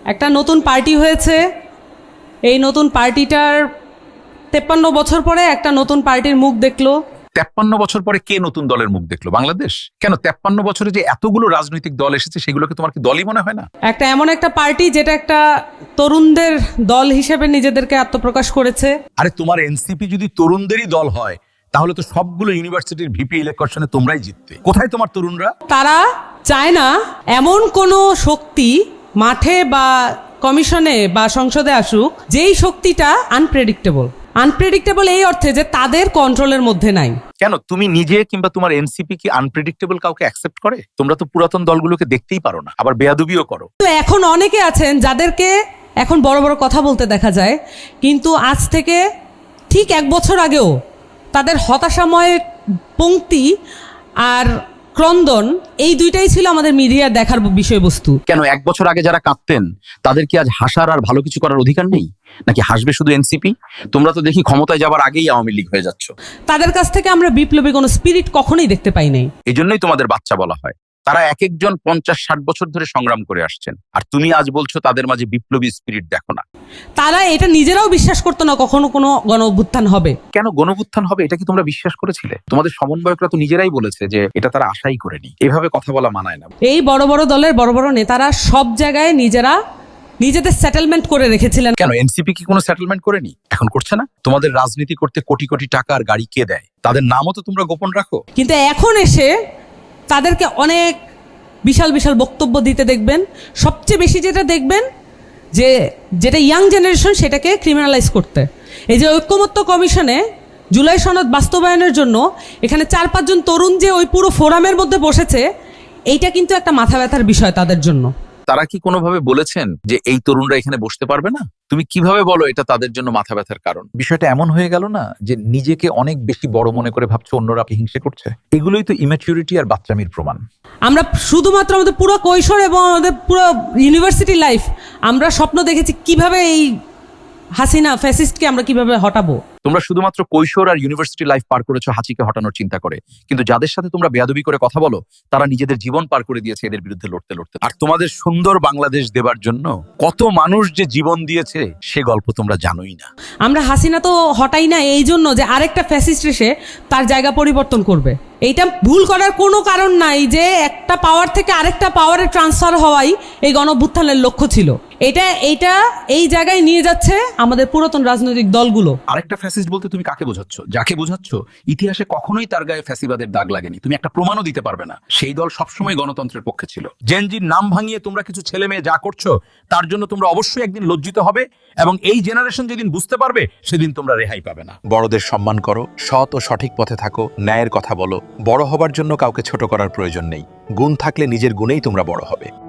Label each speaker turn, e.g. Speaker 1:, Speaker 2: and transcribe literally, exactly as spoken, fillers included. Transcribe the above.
Speaker 1: একটা নতুন পার্টি হয়েছে, এই নতুন পার্টিটার তেপ্পান্ন বছর পরে একটা নতুন পার্টির মুখ দেখলো।
Speaker 2: তেপ্পান্ন বছর পরে কে নতুন দলের মুখ দেখলো? বাংলাদেশ। কেন তেপ্পান্ন বছরে যে এতগুলো রাজনৈতিক দল এসেছে সেগুলোকে তোমার কি দলই মনে হয় না?
Speaker 1: একটা এমন একটা পার্টি যেটা একটা তরুণদের দল হিসেবে নিজেদেরকে আত্মপ্রকাশ করেছে।
Speaker 2: আরে তোমার এনসিপি যদি তরুণদেরই দল হয় তাহলে তো সবগুলো ইউনিভার্সিটির ভিপি ইলেকশনে তোমরাই জিততে। কোথায় তোমার তরুণরা?
Speaker 1: তারা চায় না এমন কোনো শক্তি মাঠে বা কমিশনে বা সংসদে আসুক যেই শক্তিটা আনপ্রেডিক্টেবল। আনপ্রেডিক্টেবল এই অর্থে যে তাদের কন্ট্রোলের মধ্যে নাই।
Speaker 2: কেন তুমি নিজে কিংবা তোমার এনসিপি কি আনপ্রেডিক্টেবল কাউকে অ্যাকসেপ্ট করে? তোমরা তো পুরাতন দলগুলোকে দেখতেই পারো না, আবার বেয়াদবিও করো।
Speaker 1: তো এখন অনেকে আছেন যাদেরকে এখন বড় বড় কথা বলতে দেখা যায়, কিন্তু আজ থেকে ঠিক এক বছর আগেও তাদের হতাশাময় পংক্তি আর ক্রন্দন এই দুইটাই ছিল আমাদের মিডিয়ার দেখার বিষয়বস্তু।
Speaker 2: কেন এক বছর আগে যারা কাঁদতেন তাদের কি আজ হাসার আর ভালো কিছু করার অধিকার নেই? নাকি হাসবে শুধু এনসিপি? তোমরা তো দেখি ক্ষমতায় যাবার আগেই আওয়ামী লীগ হয়ে যাচ্ছ।
Speaker 1: তাদের কাছ থেকে আমরা বিপ্লবী কোনো স্পিরিট কখনোই দেখতে পাই নাই।
Speaker 2: এই জন্যই তোমাদের বাচ্চা বলা হয়। তারা এক একজন পঞ্চাশ ষাট বছর ধরে সংগ্রাম করে আসছেন, আর তুমি আজ বলছো তাদের মাঝে বিপ্লবী স্পিরিট দেখো না।
Speaker 1: তারা এটা নিজেরাও বিশ্বাস করতো না কখনো কোনো গণ অভ্যুত্থান হবে।
Speaker 2: কেন গণ অভ্যুত্থান হবে এটা কি তোমরা বিশ্বাস করেছিলে? তোমাদের সমন্বয়করা তো নিজেরাই বলেছে যে এটা তারা আশাই করেনি। এভাবে কথা বলা মানায় না।
Speaker 1: এই বড় বড় দলের বড় বড় নেতারা সব জায়গায় নিজেরা নিজেদের সেটেলমেন্ট করে রেখেছিলেন।
Speaker 2: কেন এনসিপি কি কোনো সেটেলমেন্ট করেনি? এখন করছে না? তোমাদের রাজনীতি করতে কোটি কোটি টাকা আর গাড়ি কে দেয়? তাদের নামও তো তোমরা গোপন রাখো।
Speaker 1: কিন্তু এখন এসে তাদেরকে অনেক বিশাল বিশাল বক্তব্য দিতে দেখবেন। সবচেয়ে বেশি যেটা দেখবেন যে যেটা ইয়াং জেনারেশন সেটাকে ক্রিমিনালাইজ করতে। এই যে ঐক্যমত্য কমিশনে জুলাই সনদ বাস্তবায়নের জন্য এখানে চার পাঁচজন তরুণ যে ওই পুরো ফোরামের মধ্যে বসেছে, এইটা কিন্তু একটা মাথা ব্যথার বিষয় তাদের জন্য।
Speaker 2: তারা কি কোনোভাবে বলেছেন যে এই তরুণরা এখানে বসতে পারবে না? তুমি কিভাবে বলো এটা তাদের জন্য মাথা ব্যথার কারণ? বিষয়টা এমন হয়ে গেল না যে নিজেকে অনেক বেশি বড় মনে করে ভাবছো অন্যরা হিংসে করছে। এগুলোই তো ইম্যাচুরিটি আর বাচ্চামির প্রমাণ।
Speaker 1: আমরা শুধুমাত্র আমাদের পুরো কৈশোর এবং আমাদের পুরো ইউনিভার্সিটি লাইফ আমরা স্বপ্ন দেখেছি কিভাবে এই হাসিনা ফ্যাসিস্টকে আমরা কিভাবে হটাবো।
Speaker 2: তোমরা শুধুমাত্র কৈশোর আর ইউনিভার্সিটি লাইফ পার করেছো হাসিকে হটানোর চিন্তা করে, কিন্তু যাদের সাথে তোমরা বেয়াদবি করে কথা বলো তারা নিজেদের জীবন পার করে দিয়েছে এদের বিরুদ্ধে লড়তে লড়তে। আর তোমাদের সুন্দর বাংলাদেশ দেবার জন্য কত মানুষ যে জীবন দিয়েছে সে গল্প তোমরা জানোই না।
Speaker 1: আমরা হাসিনা তো হটাই না এই জন্য যে আরেকটা ফ্যাসিস্ট এসে তার জায়গা পরিবর্তন করবে। এইটা ভুল করার কোনো কারণ নাই যে একটা পাওয়ার থেকে আরেকটা পাওয়ারে ট্রান্সফার হওয়াই এই গণঅভ্যুত্থানের লক্ষ্য ছিল। এটা এইটা এই জায়গায় নিয়ে যাচ্ছে আমাদের পুরাতন রাজনৈতিক দলগুলো।
Speaker 2: আরেকটা ফ্যাসিস্ট বলতে তুমি কাকে বোঝাচ্ছ? যাকে বোঝাচ্ছ ইতিহাসে কখনোই তার গায়ে ফ্যাসিবাদের দাগ লাগেনি। তুমি একটা প্রমাণও দিতে পারবে না। সেই দল সবসময় গণতন্ত্রের পক্ষে ছিল। জেনজির নাম ভাঙিয়ে তোমরা কিছু ছেলে মেয়ে যা করছো তার জন্য তোমরা অবশ্যই একদিন লজ্জিত হবে, এবং এই জেনারেশন যেদিন বুঝতে পারবে সেদিন তোমরা রেহাই পাবে না। বড়দের সম্মান করো, সৎ ও সঠিক পথে থাকো, ন্যায়ের কথা বলো। বড় হবার জন্য কাউকে ছোট করার প্রয়োজন নেই। গুণ থাকলে নিজের গুণেই তোমরা বড় হবে।